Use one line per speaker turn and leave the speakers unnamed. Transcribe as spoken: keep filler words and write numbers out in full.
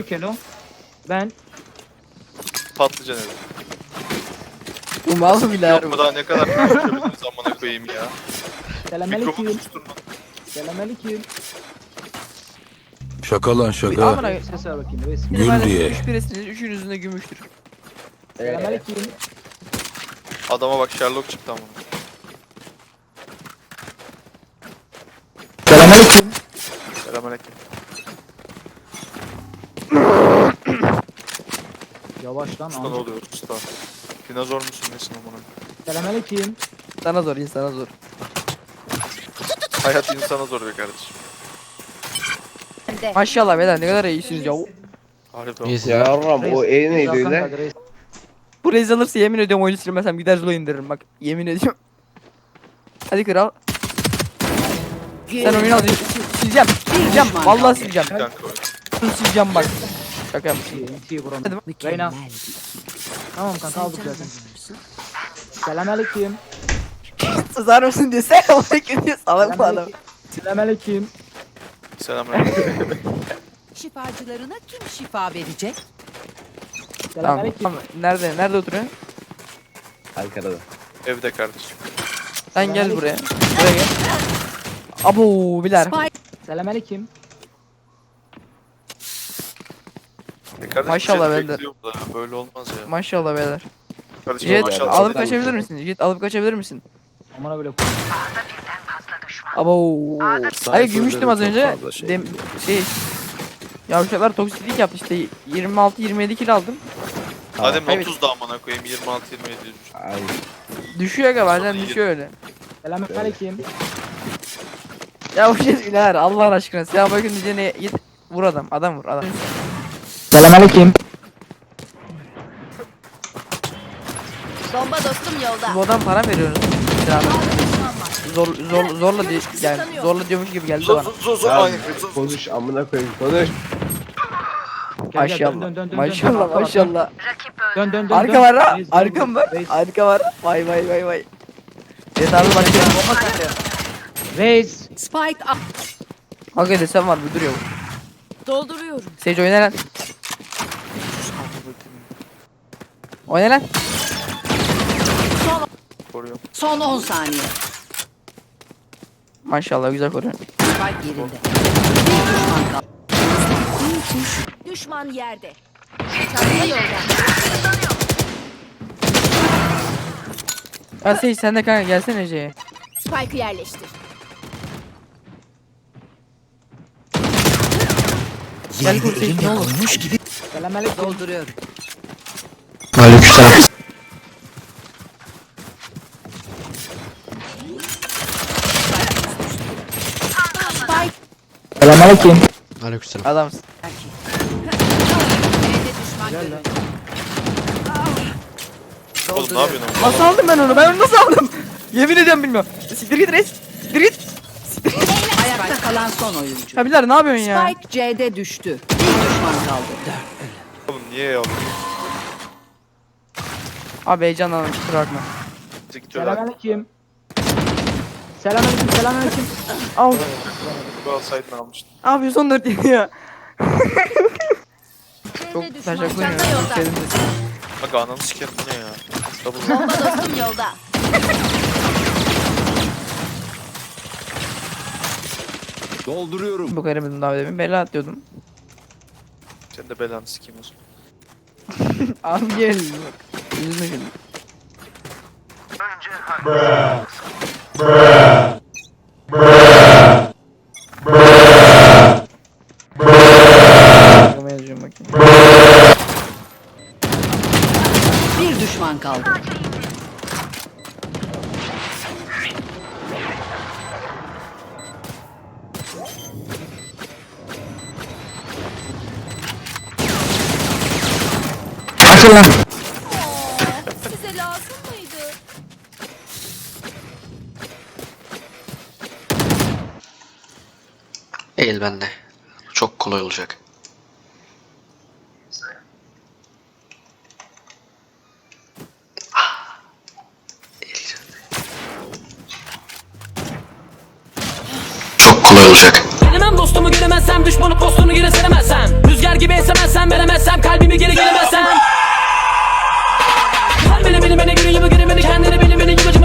Kelo. Ben.
Patlıcan evi.
Bu mal mı biler?
Yok mu daha ne kadar konuşabiliriz amına koyayım ya. Mikrofonu
Selamünaleyküm.
susturma.
Selamünaleyküm.
Şaka lan şaka.
Amına
Ses ver bakayım reis.
Gül diye.
Üç birisiniz, üçünüzün de gümüştür.
Selamünaleyküm.
Adama bak Sherlock çıktı amına.
Selamünaleyküm.
Selamünaleyküm.
Yavaş lan.
Usta ne
amca.
oluyor usta? Dinozor musun nesin amına?
Selamünaleyküm.
Sana zor, insana zor.
Hayat insana zor be kardeşim.
Maşallah beyler ne kadar iyisiniz ya.
Harbiden.
İyisin.
Yavrum o
Reis,
E neydi
Hakan
öyle?
kaldı, reis.
Bu reis alırsa yemin ediyorum oyunu silmesem gider Zula indiririm bak. Yemin ediyorum. Hadi kral. Sen oyunu al. Sileceğim. Sileceğim. Vallahi sileceğim.
Kanka oyun.
Şunu sileceğim bak. Şaka yapmışım.
İyi, iyi buram.
Hadi bak.
Reyna. Tamam kanka aldık zaten. Selamünaleyküm.
Sızar mısın diye sen onu diyor. Salak bu adam.
Selamünaleyküm.
Selamünaleyküm.
Şifacılarına kim şifa verecek?
Tamam.
Selamünaleyküm.
Tamam. Nerede? Nerede oturuyor?
Ankara'da.
Evde kardeşim.
Sen gel buraya. Buraya gel. Abo biler.
Selamünaleyküm.
E kardeşim,
Maşallah
seni
ben de.
bekliyorum da Böyle olmaz ya.
Maşallah beyler.
Kardeşim
Jet
maşallah.
alıp kaçabilir misin? Jet alıp kaçabilir misin?
Amına böyle.
Abo. Hayır gümüştüm az
çok
önce.
fazla şey
Dem şey. Yavşaklar toksiklik yaptı işte yirmi altı yirmi yedi kilo aldım.
Hadi
Evet.
otuz da amına koyayım yirmi altı yirmi yedi.
Ay.
Düşüyor aga bazen
Sonra
düşüyor öyle.
Selamünaleyküm.
Ya bu şey iler Allah aşkına. Ya bakın diyeceğine git vur adam. Adam vur adam.
Selamünaleyküm.
Bomba dostum yolda.
Bu adam para veriyorsunuz. Zor, zor, zorla diye yani zorla diyormuş gibi geldi
Zor
bana.
zor zor zor.
Ya,
Aynı zor.
konuş amına koyayım konuş.
Gel, gel, dön,
Maşallah.
dön, dön, dön,
Maşallah
dön, dön,
maşallah.
Dön dön dön.
Arka
dön.
var ha.
Reis, dön,
Arka mı var?
Reis.
Arka var. Vay vay vay vay. Evet abi bak.
Reis.
Spike up.
Kanka desem var bir duruyor.
Dolduruyorum.
Sage oyna lan. Oyna lan.
Koruyorum.
Son on saniye.
Maşallah güzel koruyor.
Spike yerinde. Bir düşman kaldı. Düşman yerde. Çanta yolda.
Ya Sage sen de kanka gelsene C'ye.
Spike'ı yerleştir.
Gel kur Sage ne olur.
Selamünaleyküm.
Dolduruyorum.
Aleykümselam.
Spike.
Selamünaleyküm.
Aleykümselam.
Adamsın.
B'de düşman görüldü.
Oğlum ne yapıyorsun? oğlum?
Nasıl aldım ben onu? Ben onu nasıl aldım? Yemin ediyorum bilmiyorum. Siktir git reis. Siktir git.
Ayakta kalan son oyuncu.
Ya Bilal ne yapıyorsun ya?
Spike C'de düştü. Bir düşman kaldı.
Oğlum niye yavrum?
Abi heyecanlandım kusura bakma.
Gidiyorlar.
Selamünaleyküm. Selamünaleyküm. Selamünaleyküm.
Al.
Bu alsaydın almıştın.
Ne yapıyorsun on dört yedi ya? Çok
C'de düşman.
teşekkür
Çanta
ederim.
yolda.
Sevdim de.
Bak ananı sikerim bu ne ya? Double.
Bomba dostum yolda.
Dolduruyorum.
Bu kadar dedim daha demin. Bela atıyordum.
Sen de belanı sikeyim o zaman.
Abi gel. Bak. Üzülme şimdi. Bakmaya yazıyorum bakayım.
Bir düşman kaldı.
Açıl lan.
Size lazım mıydı?
Eğil bende. Çok kolay olacak. Ah. Eğil. Çok kolay olacak.
Gelemem dostumu göremezsem düşmanı postunu gire seremezsem Rüzgar
gibi esemezsem veremezsem kalbimi